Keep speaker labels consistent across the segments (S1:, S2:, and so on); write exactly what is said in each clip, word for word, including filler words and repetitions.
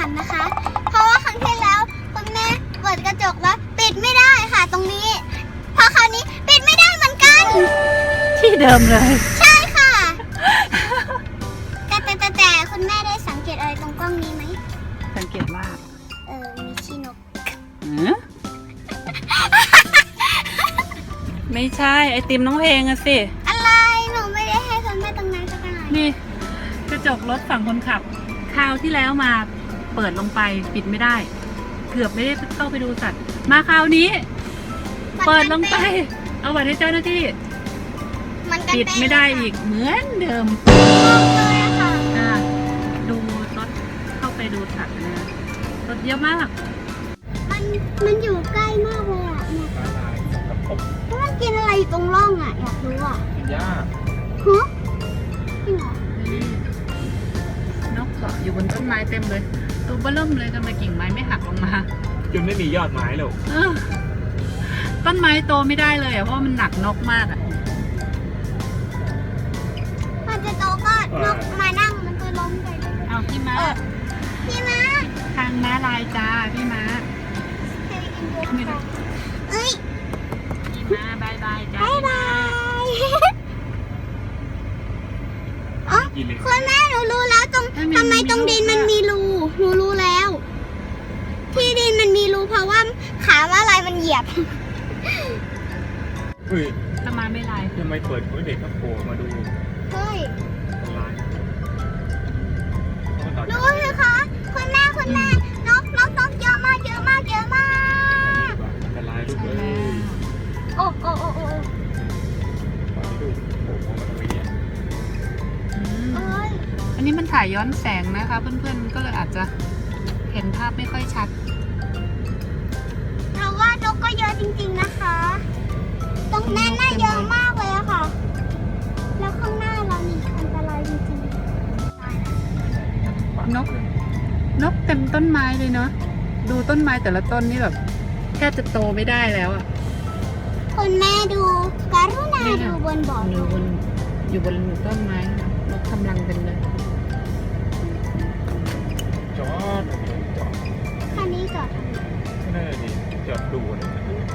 S1: ขันนะคะ เพราะว่าครั้งที่แล้วคุณแม่เปิดกระจกแล้วปิดไม่ได้ค่ะตรงนี้พอคราวนี้ปิดไม่ได้เหมือนกัน
S2: ที่เดิมเลย
S1: ใช่ค่ะ แต่แต่แต่แต่คุณแม่ได้สังเกตอะไรตรงกล้องนี้ไหม
S2: สังเกตว่า
S1: เออมีขี้นก
S2: หือไม่ใช่ไอติมน้องเพลงอะสิ
S1: อะไรหนูไม่ได้ให้คุณแม่ตรงนั้นสักหน่อย
S2: นี่กระจกรถฝั่งคนขับคราวที่แล้วมาเปิดลงไปปิดไม่ได้ เกือบไม่ได้เข้าไปดูสัตว์ มาคราวนี้ เปิดลงไป เอาบัตรให้เจ้าหน้าที่
S1: มันกัน
S2: ปิดไม่ได้อีกเหมือนเดิม
S1: เลยอะค่ะ
S2: อ่าดูรถเข้าไปดูสัตว์นะรถเยอะมาก
S1: มันมันอยู่ใกล้มากเลยอะเนี่ย
S3: ปลาลายกับกบ
S1: แล้วมันกินอะไรอยู่ตรงร่องอะอยากรู้อะ
S3: กินหญ้า
S1: ฮะจริงเหรอน
S2: กเกาะอยู่บนต้นไม้เต็มเลย ตัวเบ้อเริ่มเลยทำไมกิ่งไม้ไม่หักลงมา
S3: จนไม่มียอดไม้แล้ว
S2: เออต้นไม้โตไม่ได้เลยอ่ะเพราะมันหนักนกมากอ่ะ
S1: พอจะโตก็นกมานั่งมันก็ล้มไปเลย
S2: เอาพี่ม้า
S1: เออพี่ม้า
S2: ทางม้าลายจ้าพี่ม้า
S1: เคยกินบัวค่ะเอ้ย
S2: พี่ม้าบายบายจ้า
S1: บายบาย อ๋อ
S3: กินเลย
S1: คุณแม่หนูรู้แล้วตรงทำไมตรงดินมันมีรูหนูรู้แล้ว ที่ดินมันมีรูเพราะว่าขาว่าอะไรมันเหยียบ
S3: เฮ้ย
S2: ถ้ามาไม่ลาย
S3: ทำไมเปิดเด็กก็โผล่มาดู
S1: เฮ้ย
S3: ต้นไม้
S1: รู้ไหมคะคุณแม่คุณแม่นกนกนกเยอะมากเยอะมากเยอะมาก
S3: ต้นไม้ลูก
S2: ใช่
S3: เอ้
S2: แล้ว
S3: ย
S1: โอ้โอ้โอ้โอ้
S3: ปล่อยลูกโผล่มาตรงนี้
S2: อืม
S1: เอ้ย
S2: อันนี้มันถ่ายย้อนแสงนะคะเพื่อนๆมันก็เลยอาจจะเห็นภาพไม่ค่อยชัด
S1: เราว่านกก็เยอะจริงๆนะคะ ตรงนั้นน่าเยอะมากเลยอะค่ะ แล้วข้างหน้าเรานี่อันตรายจริง
S2: นก นกเต็มต้นไม้เลยเนาะดูต้นไม้แต่ละต้นนี่แบบแทบจะโตไม่ได้แล้วอะ
S1: ๆคุณแม่ดูกรุณาดูบนบ่อ
S2: อยู่บนอยู่บนต้นไม้นกกำลังเป็นเลย
S3: จอดจอด
S1: คันนี้จอดทำไม
S3: ไม่ได้ดิจอดดูเลย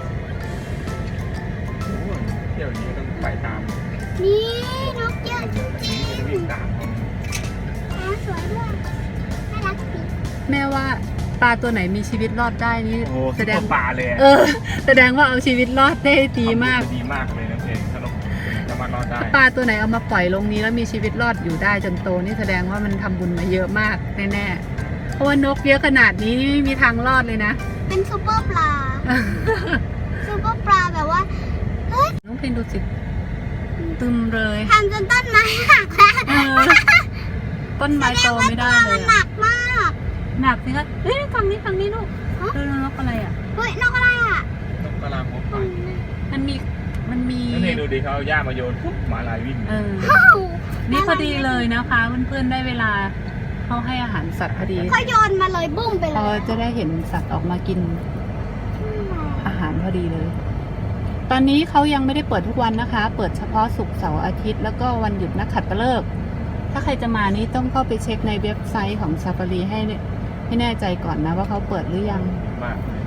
S3: โอ้ยเที่ยวนี้ต้องไปตาม
S1: นี่นกเยอะจริง
S3: จะวิ่งตามเขา
S1: ๆฟ้าสวยด้วยน่ารักดี
S2: แม่ว่าปลาตัวไหนมีชีวิตรอดได้นี่
S3: โอ้
S2: แส
S3: แส
S2: ด
S3: ด
S2: ง
S3: งป่าเลย
S2: เออ แสดงว่าเอาชีวิตรอดได้ดีมาก
S3: ดีมากเลยนะเพนถ้านกจะมารอดได้
S2: ถ้าปลาตัวไหนเอามาปล่อยลงนี้แล้วมีชีวิตรอดอยู่ได้จนโตนี่แสดงว่ามันทำบุญมาเยอะมากแน่ๆเพราะว่านกเยอะขนาดนี้นี่ไม่มีทางรอดเลยนะ
S1: เป็นซูเปอร์ปลาซูเปอร์ปลาแบบว่าเฮ้ย
S2: น้องเพนดูสิตึมเลย
S1: ทำจนต้นไม้หักแล้ว
S2: เออต้นไม้โตไม่ได้เล
S1: มั
S2: ย
S1: นห
S2: อะ
S1: นักมาก
S2: หนักสิคะเฮ้ยฝั่งนี้ฝั่งนี้ลูก
S1: ฮะ
S2: ดูนกอะไรอ่ะ
S1: เฮ้ยนกอะไรอ่ะ
S3: นกกระลาหัวไป
S2: มันมีมันมี
S3: นั่นเองดูดิเขาเอาหญ้ามาโยนปุ๊บหมาลายวิ่ง
S2: เออ
S1: ว้าว
S2: นี่พอดีเลยนะคะเพื่อนๆได้เวลาเขาให้อาหารสัตว์พอดี
S1: เขาโยนมาเลยบุ้มไปเล
S2: เรา
S1: ย
S2: จะได้เห็นสัตว์ออกมากินอาหารพอดีเลย ตอนนี้เขายังไม่ได้เปิดทุกวันนะคะ เปิดเฉพาะศุกร์เสาร์อาทิตย์แล้วก็วันหยุดนักขัตฤกษ์ถ้าใครจะมานี้ต้องเข้าไปเช็คในเว็บไซต์ของ Safari ให้ให้แน่ใจก่อนนะว่าเขาเปิดหรือยัง
S3: มากเลย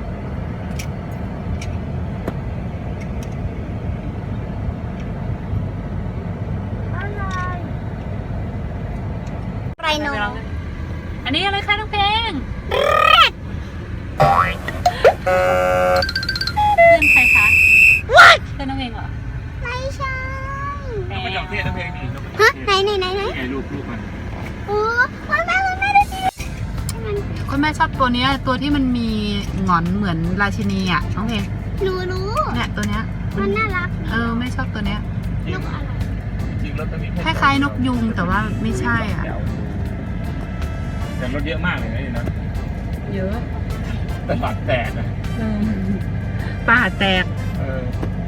S1: ไรโน
S2: อันนี้อะไรคะน้องเพลงเพื่อนใครคะเพื่อนน้องเพลงเหรอ
S1: ไม่ใช่
S3: นกกระจอกเทศนะเพลงนี่นกกระจ
S1: ฮะ
S3: อกเทศ
S1: ไหนไหนไหนไหน
S3: ไงลูกลูกมัน
S1: โอ้คุณแม่คุณแม่ดูสิมัน
S2: คุณแม่ชอบตัวเนี้ยตัวที่มันมีหงอนเหมือนราชินีอ่ะน้องเพลง
S1: หนูรู้
S2: เนี่ยตัวเนี้ย
S1: มันน่ารัก
S2: เออไม่ชอบตัวเนี้ย
S1: นกอะไร
S3: จริงรถตัวนี้
S2: คล้ายๆนกยุงแต่ว่าไม่ใช่อ่ะ
S3: แต่รถเยอะมากเลยนะนี่นะ
S2: เยอะ
S3: ตลาดแตกนะ
S2: ป่าแตก
S3: เออน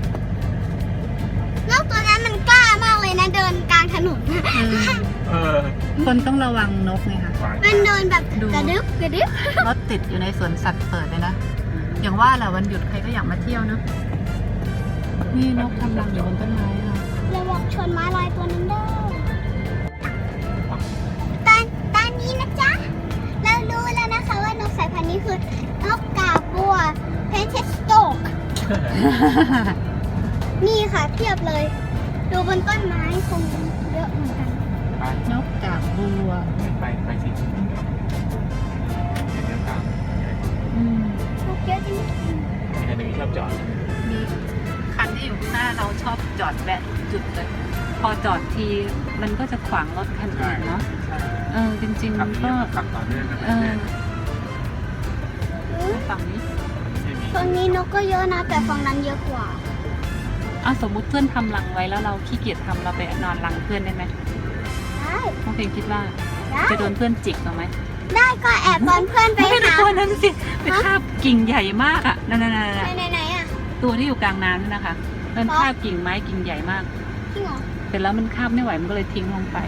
S1: กตัวนั้นมันกล้ามากเลยนะเดินกลางถนน
S2: เออ
S3: เออ
S2: คนต้องระวังนกไงคะ
S3: ขวาง
S1: มันเดินแบบ
S2: ดู
S1: กระดึบกระดึบ
S2: รถติดอยู่ในสวนสัตว์เปิดเลยนะ อย่างว่าแหละวันหยุดใครก็อยากมาเที่ยวเนอะนี่นกทำรังอยู่บนต้นไม้ค่ะ
S1: ระวังชนม้าลายตัวนั้นเด้อตอนตอนนี้นะจ๊ะ เรารู้แล้วนะคะนี่ค่ะเทียบเลย ดูบนต้นไม้คงเยอะเหมือนกัน
S3: ไป
S2: นกกาบบัว
S3: ไปไปสิเดี๋ยวเดินตาม
S2: อืม
S1: นกเยอะจริง
S3: มีคันหนึ่งชอบจอด
S2: มีคันที่อยู่ข้างหน้าเราชอบจอดแวะจุดเลย พอจอดทีมันก็จะขวางรถคันอื่นเนาะ
S3: ใช่
S2: เออจริงๆ
S3: ขั
S2: มั
S3: บ
S2: น
S3: นี้
S2: ก็
S3: ขับต่อเนื่องกัน
S2: เออ
S3: เรื่อย
S2: ฝั่งนี้
S3: ๆไม่มี
S1: ฝั่งนี้นกก็เยอะนะ แต่ฝั่งนั้นเยอะกว่า
S2: อ่ะสมมุติเพื่อนทำรังไว้แล้วเราขี้เกียจทำเราไปนอนรังเพื่อนได้ไหม
S1: ได้
S2: น้องเพลงคิดว่า
S1: ได้
S2: จะโดนเพื่อนจิกเอาไหม
S1: ได้ก็แอบตอนเพื่อนไป
S2: ไม่ได้
S1: หา
S2: ตัวนั้นสิไปคาบกิ่งใหญ่มากอ่ะนั่นๆ
S1: ไหน
S2: ๆ
S1: ไหนไหนอ่ะ
S2: ๆตัวที่อยู่กลางน้ำนั่นนะคะมันคาบกิ่งไม้กิ่งใหญ่มาก
S1: จริงเหรอ
S2: เสร็จแล้วมันคาบไม่ไหวมันก็เลยทิ้งลงไป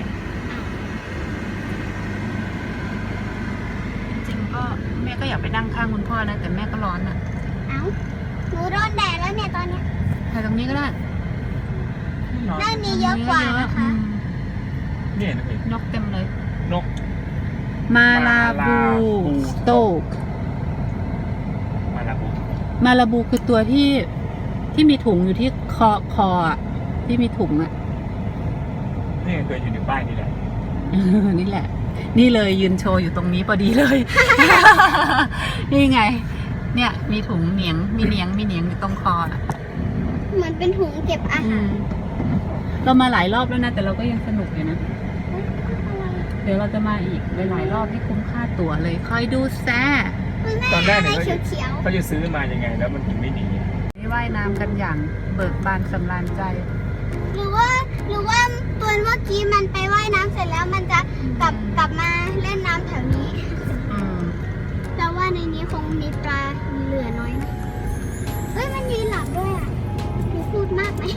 S2: จริงๆก็แม่ก็อยากไปนั่งข้างคุณพ่อนะแต่แม่ก็ร้อนอ่ะ
S1: เอ้าหนูโดนแดดแล้วเนี่ยตอนเนี้ย
S2: ถ่ายตรงนี้ก็ได้
S1: ด้านนี้เยอะกว่านะคะ
S2: อืม
S3: เนี่ยนะเห็น
S2: นกเต็มเลย
S3: นก
S2: มาลาบู
S3: มาลาบู
S2: สโตก
S3: มาลาบู
S2: มาลาบูคือตัวที่ที่มีถุงอยู่ที่คอคออ่ะที่มีถุงอ่ะ
S3: นี่เคยอยู่ในป้ายนี่แหละ
S2: นี่แหละ นี่เลยยืนโชว์อยู่ตรงนี้พอดีเลย นี่ไง เนี่ย มีถุงเหนียง มีเหนียง มีเหนียงอยู่ตรงคออ่ะ
S1: เหมือนเป็นถุงเก็บอา
S2: อื
S1: หาร
S2: มเรามาหลายรอบแล้วนะ แต่เราก็ยังสนุกอยู่นะ เดี๋ยวเราจะมาอีกหลายๆรอบที่คุ้มค่าตั๋วเลย คอยดูแซ่
S1: คุณแม่
S3: ตอนแรก
S1: อะไร
S3: เนี่ยเขาจะ
S1: เขียว
S3: เขาจะซื้อมายังไงแล้วมันถึงไม่หนี
S2: นี่ว่ายน้ำกันอย่างเบิกบานสำราญใจ
S1: ๆหรือว่าหรือว่าตัวเมื่อกี้มันไปว่ายน้ำเสร็จแล้วมันจะกลับกลับมาเล่นน้ำแถวนี้
S2: อืม
S1: แล้วว่าในนี้คงมีปลาเหลือน้อยนะเฮ้ยมันยืนหลับด้วยอ่ะหนูพูดมากไหม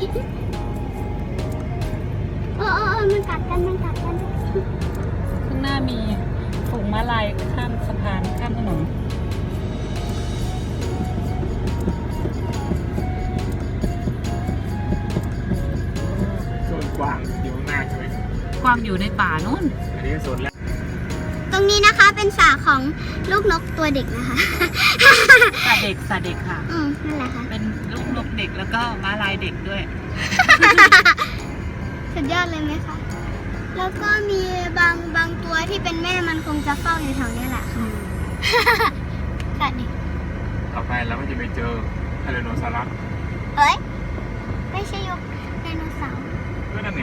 S1: เออเออเออมันกัดกันมันกัดกัน
S2: ข้างหน้ามีฝูงม้าลายข้ามสะพานข้ามถนน
S3: โซนกว้างอยู่ข้างหน้าใช่ไหม
S2: กวางอยู่ในป่านู่น
S3: อันนี้โซนแรก
S1: ตรงนี้นะคะเป็นสระของลูกนกตัวเด็กนะคะ
S2: สาเด็กสาเด็กค่ะ
S1: อืมนั่นแหละค่ะ
S2: เป็นลูกนกเด็กแล้วก็ม้าลายเด็กด้วย
S1: สุดยอดเลยไหมคะ แล้วก็มีบางบางตัวที่เป็นแม่มันคงจะเฝ้าอยู่แถวนี้แหละค่ะสัตว์ดิ
S3: ต่อไปเราก็จะไปเจอไทแรโนซอรัส
S1: เอ้ย ไม่ใช่ยกไดโนเสาร์
S3: ก็นั่นไง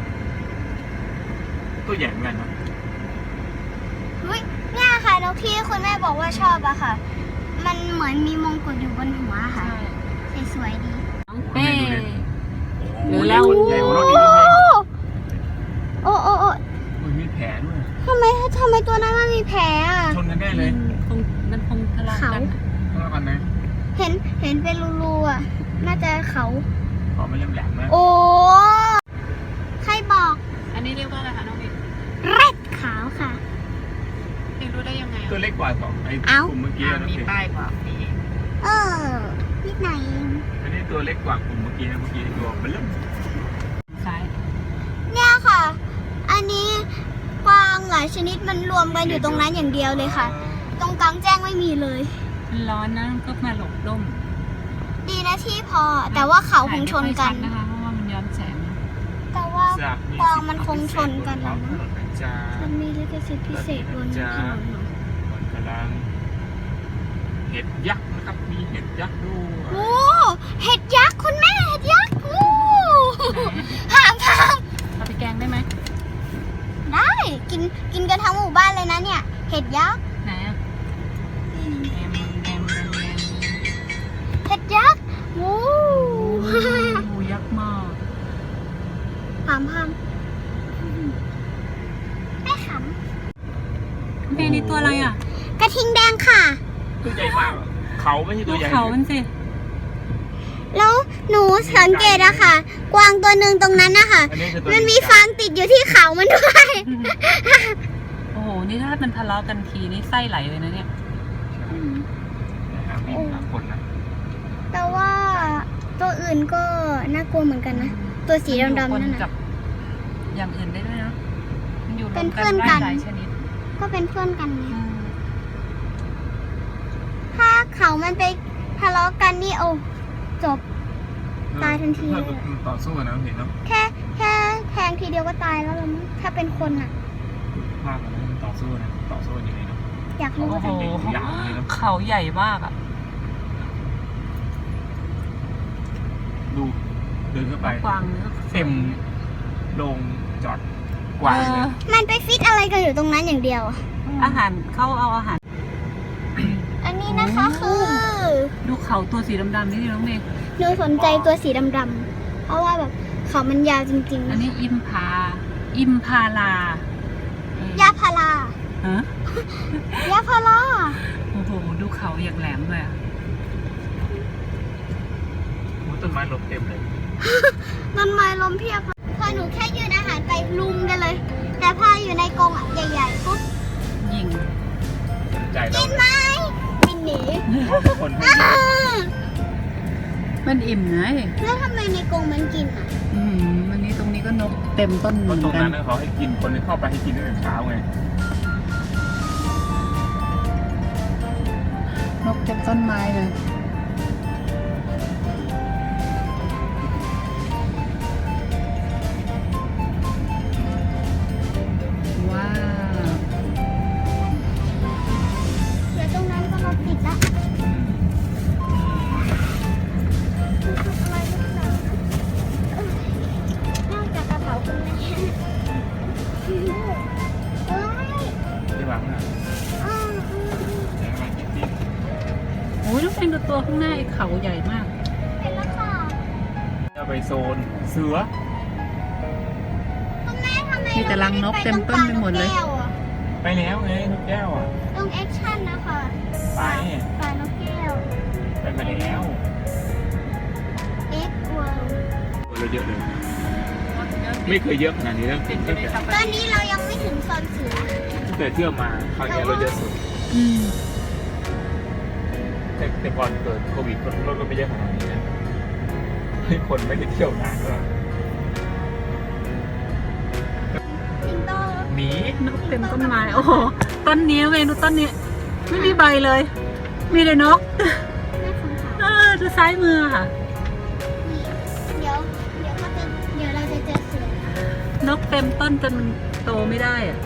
S3: ตัวใหญ่เหมือนกันนะ
S1: เฮ้ยเนี่ยค่ะนกที่คุณแม่บอกว่าชอบอะค่ะ มันเหมือนมีมงกุฎอยู่บนหัวค่ะ สวยๆดี
S2: น้องเป้ หรื
S3: โอ้
S2: อ
S3: โห
S2: แล้ว
S3: ใหญ่กว่ารถอีกนิดนึง
S1: โอ้โอ้โอ้
S3: โอ้ยมีแผลด้วย
S1: ทำไมทำไมตัวนั้นมันมีแผลอะ
S3: ชนกันแน่เลย
S2: คงมันคงทะเลาะกันอะ
S3: ทะเลาะกันนะ
S1: เห็นเห็นเป็นรูๆอะน่าจะเขา
S3: ขอไม่เล่มแหลมนะ
S1: โอ้ ใครบอก
S2: อันนี้เรียกว่าอะไรคะน้องบิ๊ก
S1: แร็ดขาวค่ะ
S2: พี่รู้ได้ยังไง
S3: ตัว
S2: อ่ะ
S3: เล็กกว่าสองไอ้
S1: เอ้า
S3: กลุ่มเมื่อกี้
S2: อ่า
S3: นะ
S2: มี
S3: พี่
S2: ป้ายบอกนี่
S1: เออนิดหน่อยเอง
S3: อันนี้ตัวเล็กกว่ากลุ่มเมื่อกี้นะเมื่อกี้ตัวเบลเริ่ม
S2: ซ้าย
S1: เนี่ยค่ะ อันนี้กวางหลายชนิดมันรวมกันอยู่ตรงนั้นอย่างเดียวเลยค่ะ ตรงกลางแจ้งไม่มีเลย
S2: มันร้อนนะก็มาหลบร่ม
S1: ดีนะที่พอ แต่ว่าเขาคงชนกัน
S2: ถ่ายไม่ค่อยชัดนะคะเพราะว่ามันย้อนแสง
S1: แต่ว่า
S3: จาก
S1: กวางมันคงชนกัน
S3: แล้
S1: แล้ว ว
S3: นะ
S1: นะ
S3: จ้า
S1: มันมีลิขสิทธิ์พิเศษบนถนนเหรอ
S3: มันกำลังเห็ดยักษ์นะครับ มีเห็ดยักษ์ด้วย
S1: โอ้เห็ดยักษ์คุณแม่เห็ดยักษ์โอ้ห้ามห้าม
S2: เอาไปแกงได้ไหม
S1: ได้กินกินกันทั้งหมู่บ้านเลยนะเนี่ย เห็ดยักษ์
S2: ไหนอ่ะแอมแอมแอมแอม
S1: เห็ดยักษ์โอ้
S2: โอ้ยักษ์มาก
S1: พามพามไม่ข
S2: เมนี่ตัวอะไรอ่ะ
S1: ำกระทิงแดงค่ะ
S3: ตัวใหญ่มากอะเขาไม่ใช่
S2: ดู
S3: ตัวใหญ่
S2: เขามันสิ
S1: แล้วหนูสังเกตอะค่ะ กวางตัวหนึ่งตรงนั้นนะคะ
S3: อันนี้คือตัว
S1: มันมีฟางติดอยู่ที่เขามันด้วย
S2: โอ้โห นี่ถ้ามันทะเลาะกันทีนี่ไส้ไหลเลยนะเนี่ย
S3: นะครับมีหลายคนนะ
S1: แต่ว่าตัวอื่นก็น่ากลัวเหมือนกันนะ ตัวสีดำๆนั่น
S2: มัอยู่ป
S1: นะ
S2: กับอย่างอื่นได้ด้วยนะมันอยู่รวม
S1: เป็นเพื่อนกัน
S2: หลายชนิด
S1: ก็เป็นเพื่อนกันไง
S2: อืม
S1: ถ้าเขามันไปทะเลาะกันนี่โอ้จบ ตายทันที
S3: ถ้าต่อสู้นะเห็นเนาะ
S1: แค่แค่แทงทีเดียวก็ตายแล้วล่ะมั้งถ้าเป็นคนอ่ะ
S3: ภาพมันต่อสู้นะต่อสู้ยังไงเนาะ
S1: อยากรู้
S2: โอ้
S1: ว่า
S2: โห
S1: จะ
S3: ยาวเลยเนาะ
S2: เขาใหญ่มากอ่ะ
S3: ดูเดินเข้าไป
S2: กวางเนื้อ
S3: เต็มลงจอดกวางเลย
S1: มันไปฟิตอะไรกันอยู่ตรงนั้นอย่างเดียวอะ
S2: อาหารเขาเอาอาหาร
S1: อันนี้นะคะคือ
S2: ดูเขาตัวสีดำๆนี่น้องเมย์
S1: หนูสนใจตัวสีดำๆเพราะว่าแบบเขามันยาวจริง
S2: อันนี้อิมพา อิมพาลา
S1: ๆ ยาพารา
S2: ฮะ
S1: ยาพารา
S2: โอ้โห ดูเขาอย่างแหลมเลยอ่ะ
S3: โอ้ต้นไม้ลบเต็มเลย
S1: ต้นไม้ล้มเพียบเลยพอหนูแค่ยืนอาหารไปลุมกันเลย แต่พออยู่ในกรงอะใหญ่ๆปุ๊บ
S2: ยิง
S3: ใจ
S1: กิ
S3: เรา
S1: นไหมบินหนี
S3: คนให้
S1: อ้า
S2: มันอิ่มไง
S1: แล้วทำไมในกรงมันกินอ่ะ
S2: อืมวันนี้ตรงนี้ก็นกเต็มต้นเห
S3: เพ
S2: มือ
S3: ราะ
S2: น
S3: ตรง
S2: กั
S3: นั้น นเขาให้กินคนที่เข้าไปให้กินตั้งแต่เช้าไง
S2: นกเต็มต้นไม้เลย ว้าว
S1: เดี๋ยวตรงนั้นก็รถติดละอะไรหรือเปล่านะเอ้ยนอกจากกระเป๋าคุณแม่เอ้ย
S3: ที่วางน่ะ
S1: อ้าวอืม
S3: แต่ว่าจริง
S2: โอ้ยลูกเป็นดูตัวข้างหน้าไอ้เขาใหญ่มาก
S1: เป็นแล้วค่ะ
S3: ๆจะไปโซนเสือ
S1: คุณแม่ทำไม
S2: มีแต่รังนกเต็มต้นไปหมดเลย
S1: ราไม่ได้ไปตรงปลานกแก้วอะ
S3: ไปแล้วไงนกแก้วอ่ะ
S1: ตรงแอคชั่นนะคะ
S3: ไป
S1: ปลานกแก้ว
S3: ไปมาแล้ว
S1: X World
S3: เราเยอะเลย ไม่เคยเยอะขนาดนี้แล้ว
S2: เป็นไป
S3: ตั้ง
S2: ได้
S3: แต่
S2: สัก
S1: ตอนนี้เรายังไม่ถึงโซนเสือ
S3: ตั้งแต่เที่ยวมาคราวนี้เราเยอะสุด
S2: อืม
S3: แต่แต่ก่อนเกิดโควิดคนรถก็ไม่เยอะขนาดนี้นะให้คนไม่ได้เที่ยวนานก็
S1: สิงโต
S3: หมี
S2: นกเต็มต้นไม้ โอ้โห ต้นนี้เมนูต้นนี้ ไม่มีใบเลย มีแต่นก
S1: แม่ของเขา
S2: เออดูซ้ายมือค่ะ
S1: นี่เดี๋ยว เดี๋ยวเขาจะเดี๋ยวเราจะเจอเสือน
S2: กเต็มต้นจนมันโตไม่ได้อะ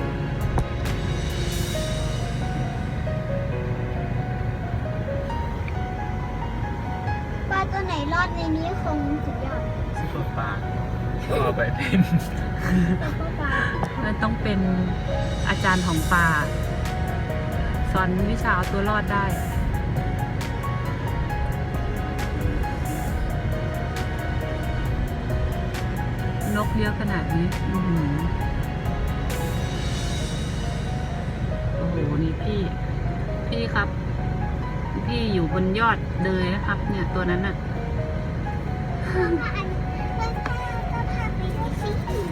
S1: ปลาตัวไหนรอดในนี้คงสุดยอด
S3: ซุปเปอร์ปลาก็เอาไปเป็น
S1: ซุปเปอร์ปลา
S2: มันต้องเป็นอาจารย์ของป่า สอนวิชาเอาตัวรอดได้ นกเยอะขนาดนี้อื้อหือโอ้โห นี่พี่ พี่ครับ พี่อยู่บนยอดเลยนะครับ เนี่ยตัวนั้นน่ะ
S1: เพื่อนพาอันเพื่อนพาก็พาไปด้วยสิ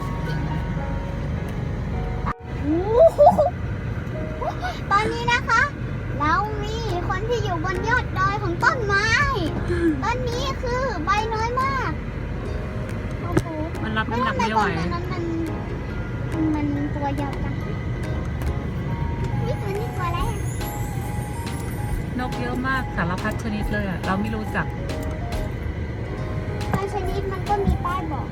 S1: โอ้โหตอนนี้นะคะ เรามีคนที่อยู่บนยอดดอยของต้นไม้ ต้นนี้คือใบน้อยมาก โอ้โห
S2: มันรับ
S1: แล้ว
S2: น้ำหนัก
S1: ทำไม
S2: ไม่
S1: ต
S2: ไหว
S1: อนนั้นมันมันตัวยาวจังนี่ตัวนี้ตัวอะไรอะ
S2: นกเยอะมากสารพัดชนิดเลยอะเราไม่รู้จัก
S1: บางชนิดมันก็มีป้ายบอก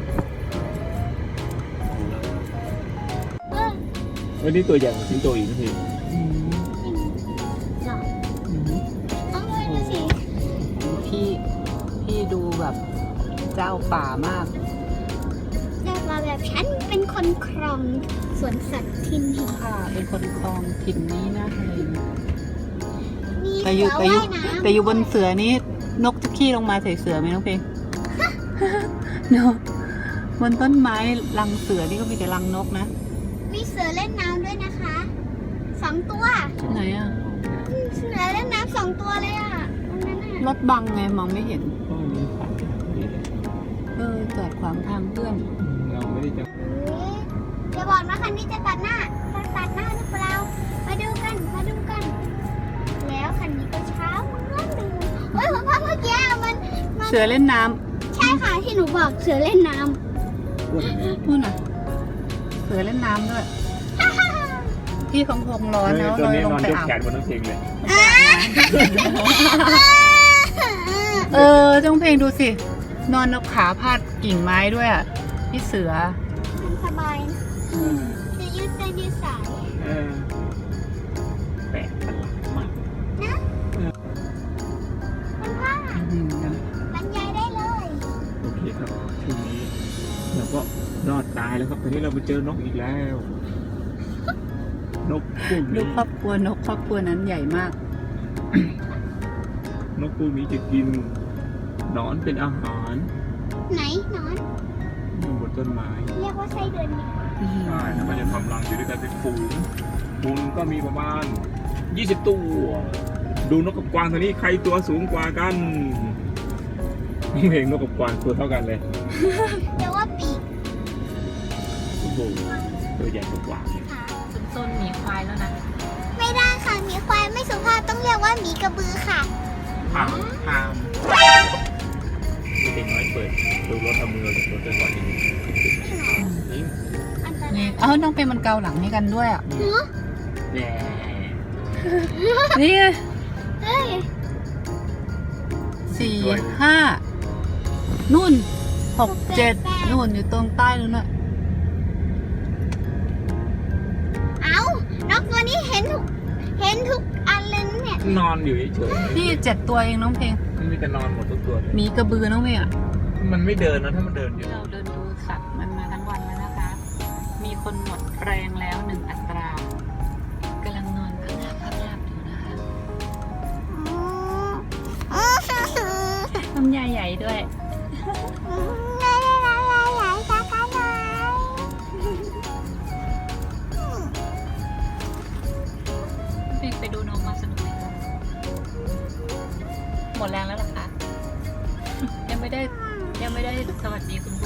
S1: เออ
S3: วันนี้ตัวใหญ่กว่าสิงโตอีกนะพี่
S2: อืม
S1: จริงเหรอ
S2: อืม
S1: ต้องเลยดูสิ
S2: พี่ พี่ดูแบบเจ้าป่ามาก
S1: แต่ว่าแบบฉันเป็นคนครองสวนสัตว์ทินหิน
S2: ค่ะ เป็นคนคลองถิ่นนี้นะอะไรอย่างเงี้ย
S1: มี
S2: แต่อ
S1: เสื
S2: ยู่
S1: อ
S2: แต่อยู่
S1: ว่ายน้ำ
S2: แต่อยู่บนเสือนี้นกจะขี้ลงมาใส่เสือไหมน้องเพลง เนาะบนต้นไม้รังเสือนี่ก็มีแต่รังนกนะ
S1: มีเสือเล่นน้ำด้วยนะคะสองตัว
S2: ไหนอะ
S1: อืมเสือเล่นน้ำสองตัวเลยอ่ะตรงนั้นอ่ะ
S2: รถบังไงมองไม่เห็น
S3: ก็มีขายที่นี่เลย
S2: เออจอดขวางทางเพื่อน
S3: เราไม่ได้จะ
S1: เฮ้ยอย่าบอกนะคันนี้จะตัดหน้าจะตัดหน้าหรือเปล่ามาดูกันมาดูกัน แล้วคันนี้ก็เช้าเหมือนเดิมเฮ้ยผมว่าเมื่อกี้มันมัน
S2: เสือเล่นน้ำ
S1: ใช่ค่ะที่หนูบอกเสือเล่นน้
S3: พูดอย่างนี้
S2: นู่นน่ะ เสือเล่นน้ำด้วย พี่คงคงร้อนแล้ว
S3: ตัว
S2: เลย
S3: นี้
S2: ลง
S3: นอน
S2: ไป
S3: ยก
S2: อาบ
S3: แขนบนน้ำเพลงเลย
S1: ำ
S2: ตเออจ้องเพลงดูสิ นอนเอาขาพาดกิ่งไม้ด้วยอ่ะ พี่เสือ
S1: มันสบายนะจะยืดเส้นยืดสาย
S3: เออแปลกประหลาดมาก
S1: นะมันว่า
S2: อืม
S1: บรรยายได้เลย
S3: โอเคครับทีนี้เราก็รอดตายแล้วครับตอนนี้เราไปเจอนกอีกแล้ว นกพวก
S2: ดู
S3: นี้
S2: ครอบครัวนกครอบครัวนั้นใหญ่มาก
S3: นกพวกนี้จะกินหนอนเป็นอาหาร
S1: ไหนหนอน
S3: อยู่บนต้นไม้
S1: เรียกว่าไส้เดือนนี่
S3: ใช่แล้วมันจะทำรังอยู่ด้วยกันเป็นฝูงฝูงก็มีประมาณยี่สิบตัว ดูนกกับกวางตัวนี้ใครตัวสูงกว่ากันเพลงนกกับกวางตัวเท่ากันเลย
S1: เรียกว่าปีก
S3: โอ้โหตัวใหญ่กว่ากวาง
S1: ค่ะ
S2: ต้นหมีควายแล้วนะ
S1: ไม่ได้ค่ะหมีควายไม่สุภาพต้องเรียกว่าหมีกระบือค่ะ
S3: ห้ามห้ามมีเด็กน้อยเปิดดูรถเอามือรถเดินก่อนนิดนึงนี่
S1: อันตรา
S2: นี่
S1: ย
S2: เอ้าน้องเป็นมันเกาหลังให้กันด้วยอ่ะ
S1: เนาะ
S3: แย่
S2: นี่ไง
S1: เอ้ย
S2: สี่ห้านู่นหกเจ็ดนู่นอยู่ตรงใต้นู่นน่ะ
S1: เอานกตัวนี้เห็นทุกเห็นทุกอันเลยนะเนี่ย
S3: นอนอยู่เฉย
S2: นี่เจ็ดตัวเองน้องเพลง
S3: ๆมันมีแต่นอนหมดทุกตัวเลย
S2: หมีกระบือน้องเพลงอ่ะ
S3: มันไม่เดินนะถ้ามันเดินอยู่
S2: เราเดินดูสัตว์มันมาทั้งวันแล้วนะคะ มีคนหมดแรงแล้วหนึ่งอัตรากำลังนอนพักหลับพักหลับอยู่นะคะ
S1: อืม
S2: น้ำยาใหญ่ด้วย
S1: ไหนไหนไหนไหนสักกันหน่อย
S2: ไปดูนกมาสนุกไหมคะหมดแรงแล้วเหรอคะ ยังไม่ได้ยังไม่ได้สวัสดีคุณผู้